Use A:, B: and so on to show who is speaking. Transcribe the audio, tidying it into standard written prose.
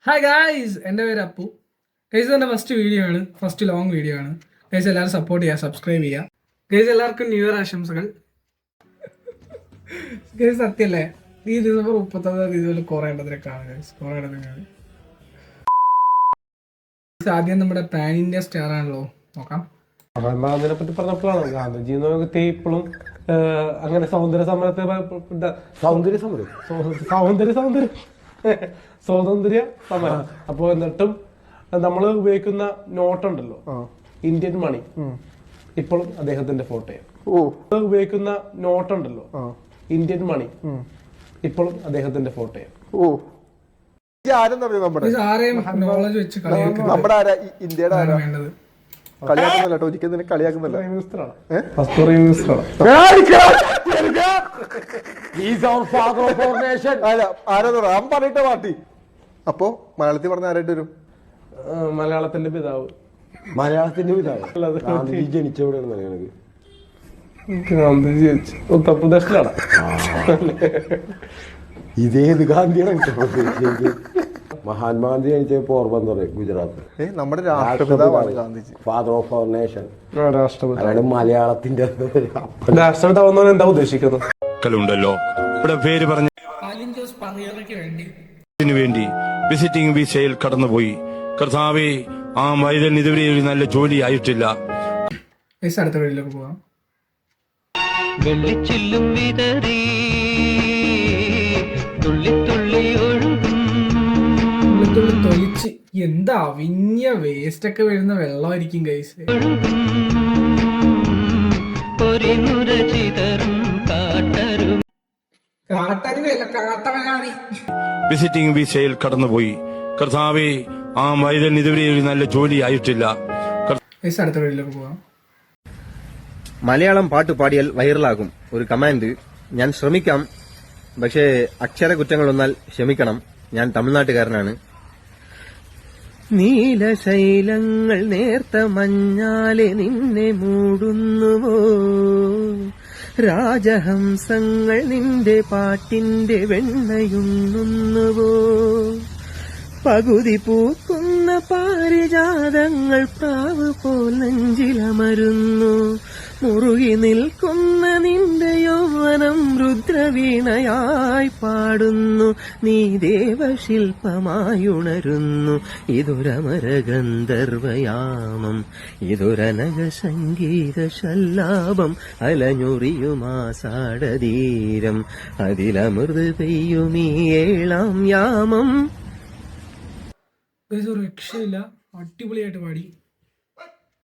A: Hi guys, എൻ്റെ പേര് Appu. Guys എൻ്റെ ഫസ്റ്റ് ലോങ് വീഡിയോ ആണ്. ഗൈസ് എല്ലാവരും സപ്പോർട്ട് ചെയ്യുക, സബ്സ്ക്രൈബ് ചെയ്യുക. ഗൈസ് എല്ലാവർക്കും ന്യൂ ഇയർ ആശംസകൾ. ഗൈസ് സത്യല്ലേ, ഈ ഡിസംബർ 31 ഇതുപോലെ കുറേ എണ്ണത്തിനൊക്കെയാണ് ഗൈസ്, കുറേ എണ്ണത്തിനാണ്. ആദ്യം നമ്മുടെ പാൻ ഇന്ത്യ സ്റ്റാർ ആണല്ലോ, നോക്കാം.
B: മഹാത്മാഗാന്ധിനെ പറ്റി പറഞ്ഞപ്പോഴാണ് ഗാന്ധിജി എന്ന് വ്യക്തി ഇപ്പോഴും അങ്ങനെ സ്വാതന്ത്ര്യ സമരം. അപ്പൊ എന്നിട്ടും നമ്മൾ ഉപയോഗിക്കുന്ന നോട്ടുണ്ടല്ലോ, ഇന്ത്യൻ മണി, ഇപ്പോഴും അദ്ദേഹത്തിന്റെ ഫോട്ടോയാണ്. ഉപയോഗിക്കുന്ന നോട്ടുണ്ടല്ലോ, ഇന്ത്യൻ മണി, ഇപ്പോഴും അദ്ദേഹത്തിന്റെ ഫോട്ടോയാണ്.
C: കളിയാക്കുന്നില്ല, ഒരിക്കലും കളിയാക്കുന്നില്ല. പറഞ്ഞിട്ട പാർട്ടി. അപ്പൊ മലയാളത്തിൽ പറഞ്ഞ ആരായിട്ട് വരും?
B: മലയാളത്തിന്റെ പിതാവ്.
C: ഗാന്ധിജി ജനിച്ചെവിടെയാണ്?
B: ഗാന്ധിജി ജനിച്ചു ഉത്തർപ്രദേശിലാണ്.
C: ഇതേത് ഗാന്ധിയാണ് ഉത്തർപ്രദേശിലേക്ക്? മഹാത്മാഗാന്ധി ജനിച്ച പോർബന്ദർ, ഗുജറാത്ത്. നമ്മുടെ രാഷ്ട്രപിതാവാണ് Gandhiji, father of our nation.
B: രാഷ്ട്രപിതാവ്
C: മലയാളത്തിന്റെ
B: രാഷ്ട്രപിതാവ് എന്താ ഉദ്ദേശിക്കുന്നത്?
D: ണ്ടല്ലോ ഇവിടെ പേര് പറഞ്ഞ വേണ്ടി വിസിറ്റിംഗ് വിസയിൽ കടന്നുപോയി. കർത്താവേ, ആ വൈദ്യൻ ഇതുവരെ ഒരു നല്ല ജോലി ആയിട്ടില്ല.
E: വെള്ളിച്ചില്ലും വിതറി തുള്ളി തുള്ളി
A: തൊലിച്ച് എന്താ അവിഞ്ഞ വേസ്റ്റ് ഒക്കെ വരുന്ന വെള്ളമായിരിക്കും ഗൈസ്.
D: വിസിറ്റിംഗ് വിസയിൽ കടന്നുപോയി. കർത്താവേ, ആ വൈദ്യൻ ഇതുവരെ ഒരു നല്ല ജോലി ആയിട്ടില്ല.
F: മലയാളം പാട്ട് പാടിയാൽ വൈറലാകും ഒരു കമാൻഡ്. ഞാൻ ശ്രമിക്കാം, പക്ഷേ അക്ഷര കുറ്റങ്ങൾ വന്നാൽ ക്ഷമിക്കണം. ഞാൻ തമിഴ്നാട്ടുകാരനാണ്. നീലശൈലങ്ങൾ നേർത്ത മഞ്ഞാലെ നിന്നെ മൂടുന്നുവോ, രാജഹംസങ്ങൾ നിന്റെ പാട്ടിന്റെ വെണ്ണയുണ്ണുന്നുവോ, പകുതി പൂക്കുന്ന പാരിജാതങ്ങൾ പ്രാവ് പോൽ നെഞ്ചിലമരുന്നു, മുറുകി നിൽക്കുന്ന നിന്റെ യൗവനം രുദ്രവീണയായി പാടുന്നു, നീ ദേവശില്പമായുണരുന്നു. ഇതൊരമരഗന്ധർവയാമം, ഇതൊരനഘ സംഗീത ശല്ലാപം, അലഞ്ഞുറിയുമാസാടതീരം, അതിലമൃത് പെയ്യുമീ ഏഴാം യാമം.
A: രക്ഷയില്ല, അടിപൊളിയായിട്ട് പാടി.